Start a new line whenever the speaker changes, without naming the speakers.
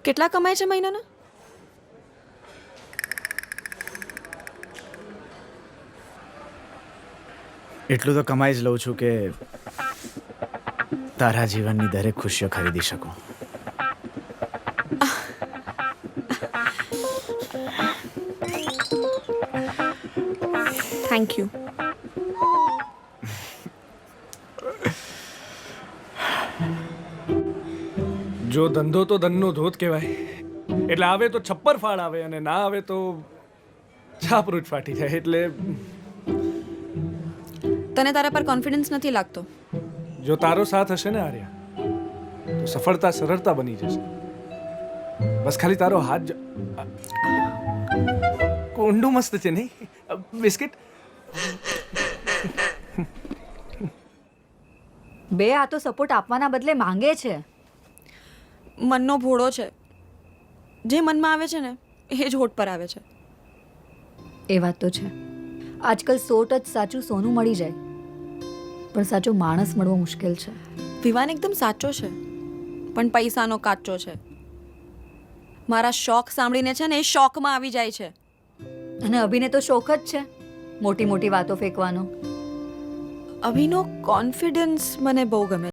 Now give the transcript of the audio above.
કેટલા કમાય છે મહિનાના?
એટલું તો કમાઈ જ લઉં છું કે તારા જીવનની દરેક ખુશીઓ ખરીદી શકું.
Thank you.
જો ધંધો તો ધનનો ધોધ કહેવાય. એટલે આવે તો છપ્પર ફાળ આવે અને ના આવે તો છાપરૂટ ફાટી જાય. એટલે
તને તારા પર કોન્ફિડન્સ નથી લાગતો?
જો તારો સાથ હશે ને આર્યા, તો સફળતા સરળતા બની જશે. બસ ખાલી તારો હાથ કોંડું મસ્ત છે નહીં? બિસ્કિટ
બે આ તો સપોર્ટ આપવાના બદલે માંગે છે.
મનનો ભોળો છે. જે મનમાં આવે છે ને એ જ હોઠ પર આવે છે.
એ વાત તો છે. આજકાલ 100 ટચ સાચું સોનું મળી જાય, પણ સાચો માણસ મળવો મુશ્કેલ છે.
વિવાન એકદમ સાચો છે, પણ પૈસાનો કાચો છે. મારા શોખ સાંભળીને છે ને એ શોખમાં આવી જાય છે.
અને અભિને તો શોખ જ છે મોટી મોટી વાતો ફેંકવાનો.
અભિનો કોન્ફિડન્સ મને બહુ ગમે.